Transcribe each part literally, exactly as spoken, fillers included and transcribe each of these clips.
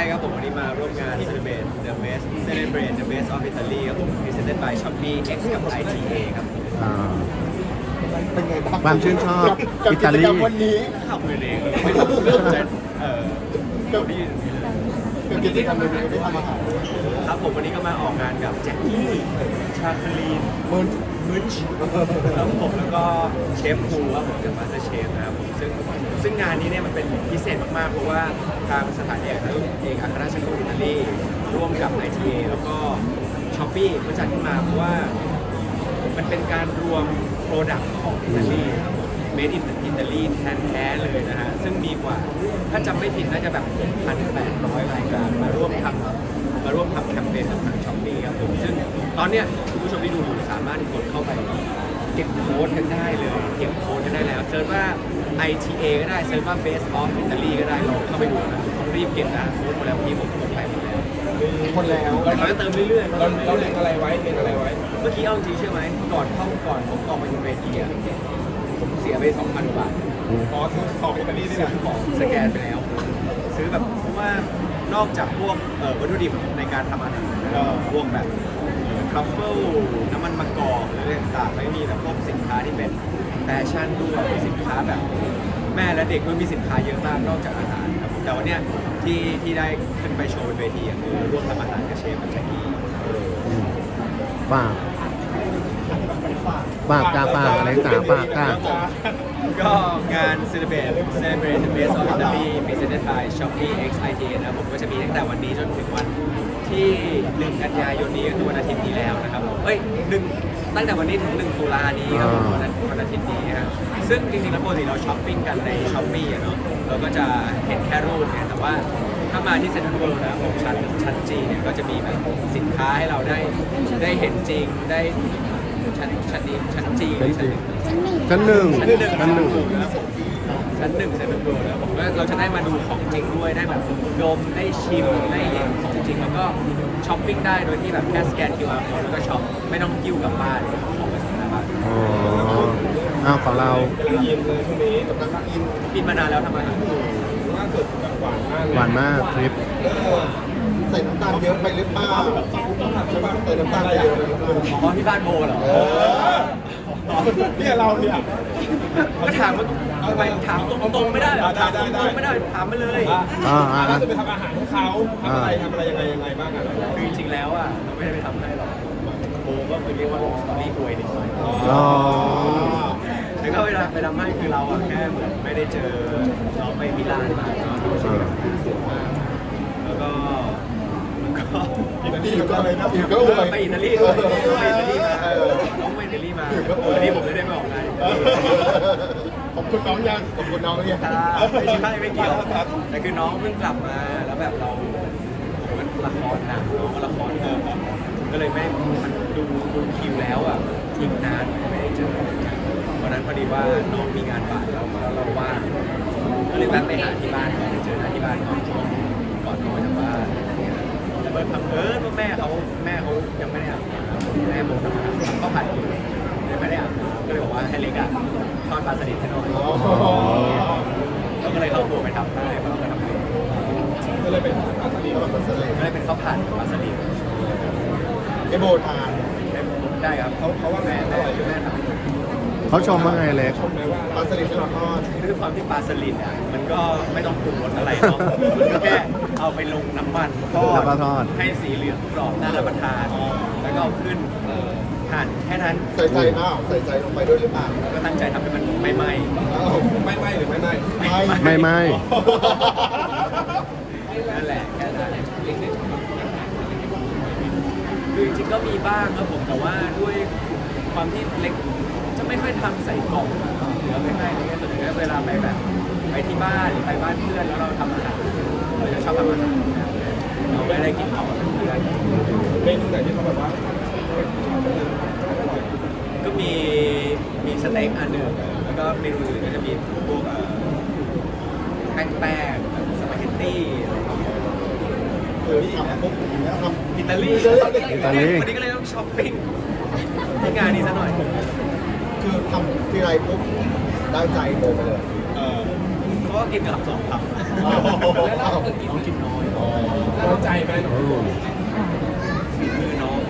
ครับผมวันนี้มาร่วมงาน Celebrate the Best Celebrate the Best of Italy ครับผม Presented by Shopee X กับ ไอ ที เอ ครับอ่าเป็นไงบ้างความชื่นชอบกับอิกิตาจลีกรรมวันนี้ขับมือเองไม่ต้องเลือกจะเอ่อกับได้ยินอย่างนี้เลยกับกิจกรรมวันนี้ได้ทำอาหารครับผมวันนี้ก็มาออกงานกับแจ็คกี้ชาคลีนมึนมึนชครับผมแล้วก็เชฟภูครับผมจากมาสเตอร์เชฟนะครับผมซึ่งซึ่งงานนี้เนี่ยมันเป็นพิเศษมากๆเพราะว่าทางสถานเอกเอกอัครราชทูตอิตาลีร่วมกับ ไอ ที เอ แล้วก็ช้อปปี้มาจัดขึ้นมาเพราะว่ามันเป็นการรวมโปรดักต์ของอิตาลีครับผม Made in อิตาลีแท้ๆเลยนะฮะซึ่งมีกว่าถ้าจำไม่ผิดน่าจะแบบ หกพันแปดร้อย รายการมาร่วมทำมาร่วมทำแคมเปญกับทางช้อปปี้ครับผมซึ่งตอนเนี้ยคุณผู้ชมที่ดูอยู่สามารถกดเข้าไปเก็บโค้ดกันได้เลยเก็บโค้ดกันได้แล้วเซิร์ชว่า ไอ ที เอ ก็ได้เซิร์ชว่า Best of Italy ก็ได้ลองเข้าไปดูนะต้องรีบเก็บนะโค้ดหมดแล้วพี่ผมกดไปหมดแล้วคนแล้วเราจะเติมเรื่อยๆเราเราเล็งอะไรไว้เล็งอะไรไว้เมื่อกี้เอาจริงใช่ไหมก่อนเข้าก่อนผมออกมาบนเวทีอะผมเสียไป สองพัน กว่าบาทอ๋อซื้อของอิตาลีนี่ซื้แหอละของสแกนไปแล้ว ซื้อแบบเพราะว่านอกจากพวกเอ่อวัตถุดิบในการทำอาหารนะครับพวกแบบทรัฟเฟิลน้ำมันมะกอกหรืออะไรต่างๆไม่มีแบบพวกสินค้าที่เป็นแฟชั่นด้วยสินค้าแบบแม่และเด็กมันมีสินค้าเยอะมากนอกจากอาหารครับแต่วันเนี้ยที่ที่ได้ขึ้นไปโชว์บนเวทีอะคือร่วมทำอาหารกับเชฟกับแจ็คกี้ฝากฝากจ้าฝากอะไรจ๋าฝากจ้าก็งาน Celebrate Celebrate the Best of Italy Presented by Shopee X ไอ ที เอ นะครับผมก็จะมีตั้งแต่วันนี้จนถึงวันที่หนึ่งกันยายนนี้ก็คือวันอาทิตย์นี้แล้วนะครับผมเอ้ยหนึ่งตั้งแต่วันนี้ถึงหนึ่งตุลานี้ครับผมวันอาทิตย์วันอาทิตย์นี้ฮะซึ่งจริงๆแล้วปกติเราช้อปปิ้งกันใน Shopee อะเนาะเราก็จะเห็นแค่รูปเนี่ยแต่ว่าถ้ามาที่เซ็นทรัลเวิลด์นะครับผมชั้นชั้นจีเนี่ยก็จะมีแบบสินค้าให้เราได้ได้เห็นจริงได้ชั้นชั้นนี้ชั้นจีหรือชั้นหนึ่งชั้นหนึ่งชั้นหนึ่งชั้นหนึ่งชั้นหนึ่งเซ็นทรัลเวิลด์แล้วผมก็เราจะได้มาดูของจริงด้วยได้แบบดมได้ชิมได้เห็นของจริงแล้วก็ช้อปปิ้งได้โดยที่แบบแค่สแกน คิว อาร์ code แล้วก็ช็อปไม่ต้องกิ้วกลับบ้านของไปส่งหน้าบ้านอ๋ออ้าวของเรากำลังยินเลยช่วงนี้กำลังอินปิดมานานแล้วทำอาหารล่าสุดแบบหวานมากเลยหวานมากทริปใส่น้ำตาลเยอะไปหรือเปล่าใช่ป่ะใส่น้ำตาลไปเยอะไปหรือเปล่าอ๋อที่บ้านโบเหรอเออเนี่ยเราเนี่ยก็ถามว่าทำไมถามตรงๆไม่ได้เหรอถามตรงๆไม่ได้ถามมาเลยอ่าอ่าล่าสุดไปทำอาหารให้เขาทำอะไรทำอะไรยังไงยังไงบ้างอ่ะคือจริงๆแล้วอ่ะเราไม่ได้ไปทำให้หรอกโบก็คือเรียกว่าลงสตอรี่อวยนิดหน่อยอ๋อแล้วก็เวลาไปทำให้คือเราอะแค่เหมือนไม่ได้เจอน้องไปมิลานมาเนาะที่แบบสวยมากแล้วก็แล้วก็อิตาลีหรือก็อะไรนะอยู่ก็อวยไปอิตาลีด้วยไปอิตาลีมาน้องไปอิตาลีมาวันนี้ผมไม่ได้มาออกงานขอบคุณน้องยังขอบคุณน้องยังไม่ใช่ไม่เกี่ยวแต่คือน้องเพิ่งกลับมาแล้วแบบเรามันละครหนักน้องก็ละครเออก็เลยไม่มันดูดูคิวแล้วอ่ะทิ้งนานไม่ได้เจอวันนั้นพอดีว่าน้องมีงานบ่ายแล้วแล้วเราว่างก็เลยแวะไปหาที่บ้านก่อนไปเจอหน้าที่บ้านก่อนก่อนนอนจากบ้านแต่เมื่อพังเอิญว่าแม่เขาแม่เขายังไม่ได้อาบน้ำแม่ผมทำทำข้าวผัดอยู่เลยไม่ได้อาบน้ำก็เลยบอกว่าให้เล็กอ่ะทอดปลาสลิดให้หน่อยแล้วก็เลยเข้าครัวไปทำได้เพราะเราก็ทำเองก็เลยเป็นอาสลีเราเป็นเสลก็เลยเป็นข้าวผัดกับปลาสลิดไอโบทานได้ครับเขาเขาว่าแม่แม่แม่ทำเขาชมว่าไงเล็กชมไหมว่าปลาสลิดที่เราทอดด้วยความที่ปลาสลิดอ่ะมันก็ไม่ต้องปรุงรสอะไรเนาะมันก็แค่เอาไปลงน้ำมันทอแล้วก็ดทอดให้สีเหลืองกรอบน่ารับประทานแล้วก็เอาขึ้นหั่นแค่นั้นใส่ใจเปล่าใส่ใจลงไปด้วยหรือเปล่าก็ตั้งใจทำให้มันไม่ไหม้อ้าวไม่ไม่หรือไม่ไม่ไม่ไม่นั่นแหละแค่นั้นคือจริงๆก็มีบ้างครับผมแต่ว่าด้วยความที่เล็กจะไม่ค่อยทำใส่กล่องหรือไม่ให้อะไรเงี้ยส่วนใหญ่เวลาไปแบบไปที่บ้านหรือไปบ้านเพื่อนแล้วเราทำอาหารเราจะชอบทำอาหารเราไม่ได้กินข้าวกับเพื่อนเมนูไหนที่เขาแบบว่าก็มีมีสเต็กอันหนึ่งแล้วก็เมนูอื่นก็จะมีพวกเอ่อแป้งแป้งสปาเกตตี้อะไรอย่างเงี้ยเออทำปุ๊บอย่างเงี้ยทำอิตาลีอิตาลีวันนี้ก็เลยต้องช้อปปิ้งที่งานนี้ซะหน่อยคือทำทีไรปุ๊บได้ใจโบไปเลยเออเพราะว่ากินกับสองคำแล้วเราน้องกินน้อยน้องโอ้ฝีมือน้อง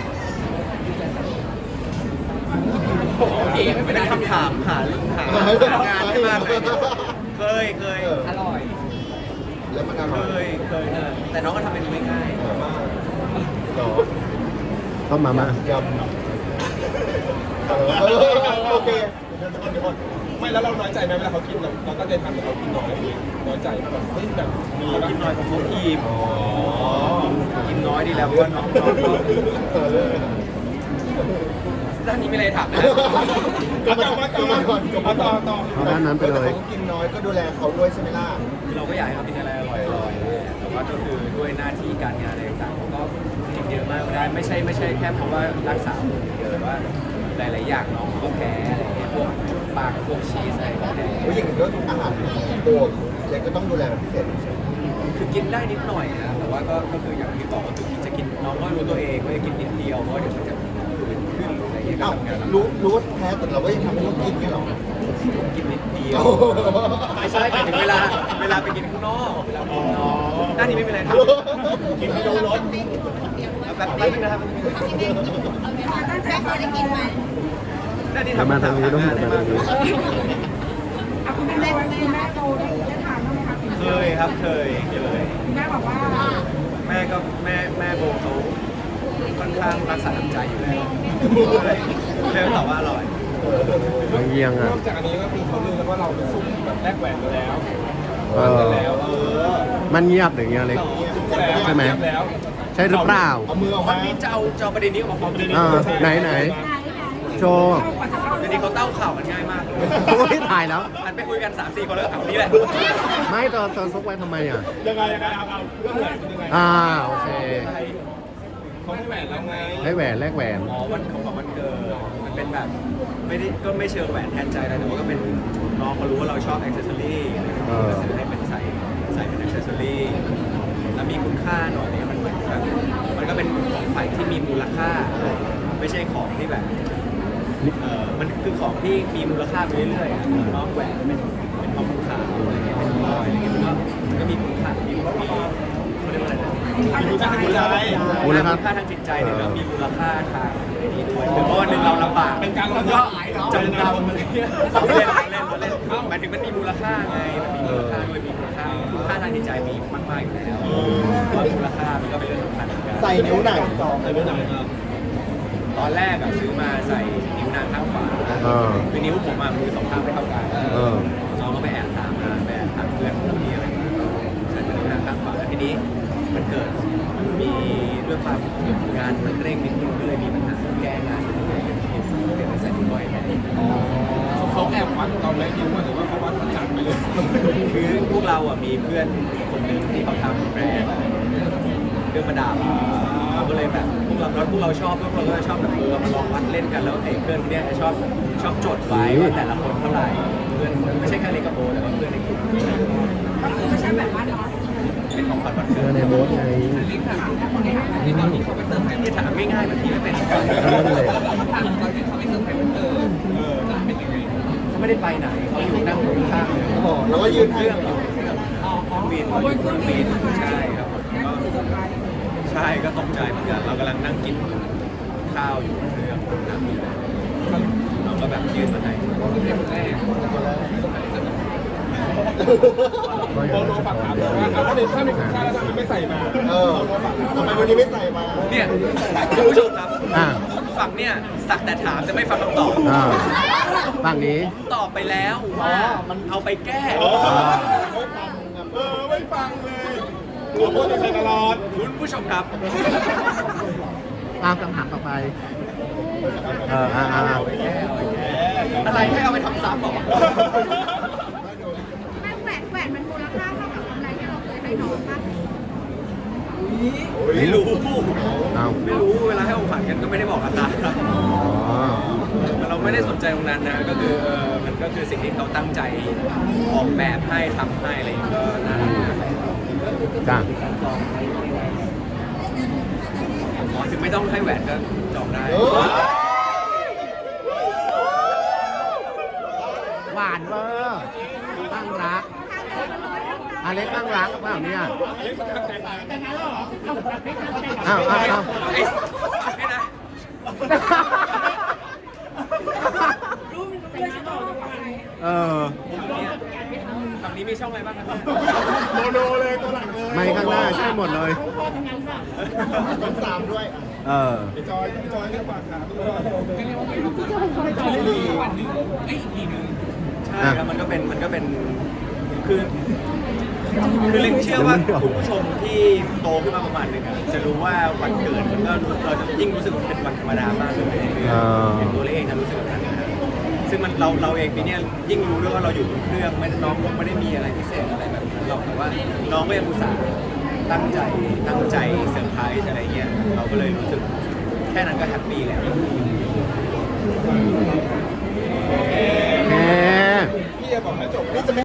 พี่ไม่ได้คำถามหาหางานให้มากเลยเคยเคยอร่อยแล้วมันอเคร่อยยเคยเออแต่น้องก็ทำเมนูง่ายหรอต้มมาม่ายำเออโอเคไม่แล้วเราน้อยใจไหมเวลาเขากินเราเราตั้งใจทำแต่เขากินน้อยน้อยใจแบบเฮ้ยแบบมีๆเขาแบบกินน้อยเพราะเขาอิ่มกินน้อยดีแล้วเพราะว่าน้องน้องก็เออด้านนี้ไม่เลยถามนะก็มาก็มาก่อนก็มาต่ต่ออต่อเอาด้านนั้นไปเลยเขากินน้อยก็ดูแลเขาด้วยใช่ไหมล่ะคือเราก็อยากให้เขากินอะไรอร่อยๆแต่ว่าก็คือด้วยหน้าที่การงานอะไรต่างๆเขาก็กินเยอะมากไม่ได้ไม่ใช่ไม่ใช่แค่เพราะว่ารักษาหุ่นอย่างเดียวแต่ว่าหลายๆอย่างน้องเขาก็แพ้อะไรอย่างเงี้ยพวกปลาพวกชีสอะไรก็แพ้ผู้หญิงก็อาหารตัวเล็กก็ต้องดูแลเป็นพิเศษใช่ไหมคือกินได้นิดหน่อยนะแต่ว่าก็ก็คืออย่างที่บอกก็คือจะกินน้องก็รู้ตัวเองว่าจะกินนิดเดียวเพราะว่าเดี๋ยวมันจะขึ้นหรืออะไรเงี้ยก็อ้าวทำงานลำบากรู้รู้ว่าแพ้แต่เราก็ยังทำให้เขากินเงี้ยหรอกินนิดเดียวโอ้โหไม่ใช่แต่ถึงเวลาเวลาไปกินข้างนอกเวลาไปกินข้างนอกด้านนี้ไม่เป็นไรทำกินให้ดูรสแบบแป๊บนึงนะครับตั้งใจเขาได้กินไหมด้านนี้เดี๋ยวทำมาทางนี้ต้องได้เดี๋ยวมาทางนี้เอาคุณแม่ได้คุณแม่โตได้ได้ทานบ้างไหมคะเคยครับเคยเคยคุณแม่บอกว่าแม่ก็แม่แม่โบเขาค่อนข้างรักษาน้ำใจอยู่แล้วเลยเลยตอบว่าอร่อยไม่เยี่ยงนอ่ะอกจากอันนี้ก็คือเขาลือกันว่าเราซุ่มแบบแลกแหวนกันแล้วเออแล้วเออมันเงียบหรือเงี้ยเล็ก ใช่ไหมแล้วใช่หรือเปล่าเอามือออกวัมานนี้จะเอาจะเอาประเด็นนี้ออกมาพร้อมประเด็นนี้อ่าไหนไหนโชว์เดี๋ยวนี้เขาเต้าข่าวกันง่ายมากเลยโอ้ยถ่ายแล้วหันไปคุยกันสามสี่คนแล้วก็เอานี่แหละไม่ตอนตอนซุกไว้ทำไมอ่ะยังไงยังไงเอาเอาเรื่องแหวนเป็นยังไงอ่าโอเคเขาให้แหวนเราไงได้แหวนแลกแหวนอ๋อวันของวันเกิดมันเป็นแบบไม่ได้ก็ไม่เชิงแหวนแทนใจอะไรแต่ว่าก็เป็นน้องเขารู้ว่าเราชอบอ็อกเซสซอรี่ก็ซื้อให้เป็นใส่ใส่เป็นอ็อกเซสซอรี่แล้วมีคุณค่าหน่อยเนี่ยมันเหมือนแบบมันก็เป็นของขวัญที่มีมูลค่า ไม่ใช่ของที่แบบเออมันคือของที่มีมูลค่าไปเรื่อยๆอะน้องแหวนเป็นเป็นทองคำขาวอะไรเงี้ยเป็นพลอยอะไรเงี้ยมันก็มันก็มีคุณค่ามีมีเขาเรียกว่าอะไรนะมีค่าทางจิตใจมูลค่าค่าทางจิตใจเนี่ยแล้วมีมูลค่าทางไอ้นี้ด้วยหรือว่าวันหนึ่งเราลำบากเป็นการมันลำก็บากเนาะจำนำอะไรเงี้ยเล่นเล่นเล่นหมายถึงมันมีมูลค่าไงมันมีมูลค่าด้วยมีมูลค่าคุณค่าทางจิตใจมีมากๆอยู่แล้วว่ามูลค่ามันก็เป็นเรื่องสำคัญเหมือนกันใส่นิ้วไหนใส่ไปไหนครับตอนแรกอะซื้อมาใส่นิ้วนางข้างขวาเออคือนิ้วผมอะมือสองข้างไม่เท่ากันเออน้องก็ไปแอบถามมาไปแอบถามเพื่อนของพี่อะไรอย่างเงี้ยใส่นิ้วนางข้างขวาแล้วทีนี้มันเกิดมีด้วยความงานมันเร่งนิดนึงก็เลยมีปัญหาแก้งานนิดนึงเลยเดี๋ยวไปใส่นิ้วก้อยแทนเขาเขาแอบวัดเราแม่นิ้วหรือว่าเขาวัดประจักษ์ไปเลยคือพวกเราอะมีเพื่อนคนหนึ่งที่เขาทำแบรนด์เครื่องประดับเราก็เลยแบบพวกเราพวกเราชอบพวกเราก็ชอบแบบเออมาลองวัดเล่นกันแล้วไอ้เพื่อนคนเนี้ยชอบชอบจดไว้ว่าแต่ละคนเท่าไหร่เพื่อนคนไม่ใช่แค่เล็กกับโบแต่ว่าเพื่อนในกลุ่มก็คือไม่ใช่แบบว่าเนาะเป็นของขวัญวันเจเกิอดในโบ๊ทไงที่ตอนนี้เขาไปเติมให้ที่ถามง่ายๆแบบที่ไม่เป็นก็นั่นแหละเออเป็นยังไงเขาไม่ได้ไปไหนเขาอยู่นั่งอยู่ข้างๆเลยอ๋อแล้วก็ยืนเคให้รื่องอยู่เครื่องบินเครื่องบินใช่ครับก็ใช่ก็ตกใจเหมือนกันเรากำลังนั่งกินข้าวอยู่บนเครื่องนั่งอยู่เราก็แบบยื่นมาให้ก็อโบย่างโลนั้นฝากถามเลยว่าถ้าในถ้าในคุณค่าแล้วทำไมไม่ใส่มาเออทำไมวันนี้ไม่ใส่มาเนี่ยคุณผู้ชมครับอ่าฝั่งเนี่ยสักแต่ถามจะไม่ฟังคำตอบอ่าฝั่งนี้ผมตอบไปแล้วว่ามันเอาไปแก้เออไม่ฟังเลยตัวโบจะใส่ตลอดคุณผู้ชมครับอ่าคำถามต่อไป เอออ่าอ่าเอาไปแก้เอาไปแก้อะไรให้เอาไปทำซ้ำบอกแม่แหวนแหวนมันมูลค่าเท่ากับกำไรที่เราเคยให้น้องปะไม่รู้เอาไม่รู้เวลาให้ของขวัญกันก็ไม่ได้บอกราคาอ๋อเราไม่ได้สนใจตรงนั้นนะก็คือเออมันก็คือสิ่งที่เขาตั้งใจออกแบบให้ทำให้อะไรอย่างเงี้ยก็น่ารักมากจ้าอ๋อถึงไม่ต้องให้แหวนก็จองได้เออหวานเวอร์ตั้งรักทางเดินมันน้อยมากอาเล็กข้างรักเปล่าเนี่ยเล็กมันแต่งงานแต่งงานแล้วเหรออ้าวอ้าวอ้าวไอ้ไอ้นะรู้มันเป็นยังไงต่อไปเออฝั่งนี้มีช่องอะไรบ้างครับโมโนเลยตัวหลักเลยไม่ข้างหน้าใช่หมดเลยพ่อทำงานป่ะต้องสามด้วยเออพี่จอยพี่จอยเรียกฝากถามด้วยใช่ครับมันก็เป็นมันก็เป็นคือคือเล็กเชื่อว่าคุณผู้ชมที่โตขึ้นมาประมาณหนึงอะจะรู้ว่าวันเกิดมันก็รู้เราจะยิ่งรู้สึกว่าเป็นวันธรรมดามากเลยในเรื่องอ่าอย่างตัวเล็กเองนะรู้สึกแบบนั้นนะซึ่งมันเราเราเองปีเนี้ยยิ่งรู้ด้วยว่าเราอยู่บนเครื่องไม่ได้น้องไม่ได้มีอะไรพิเศษอะไรแบบนั้นหรอกแต่ว่าน้องก็ยังอุตส่าห์ตั้งใจตั้งใจเซอร์ไพรส์อะไรเงี้ยเราก็เลยรู้สึกแค่นั้นก็แฮปปี้แล้วโอเคพี่จะบอกให้จบนี่จะไม่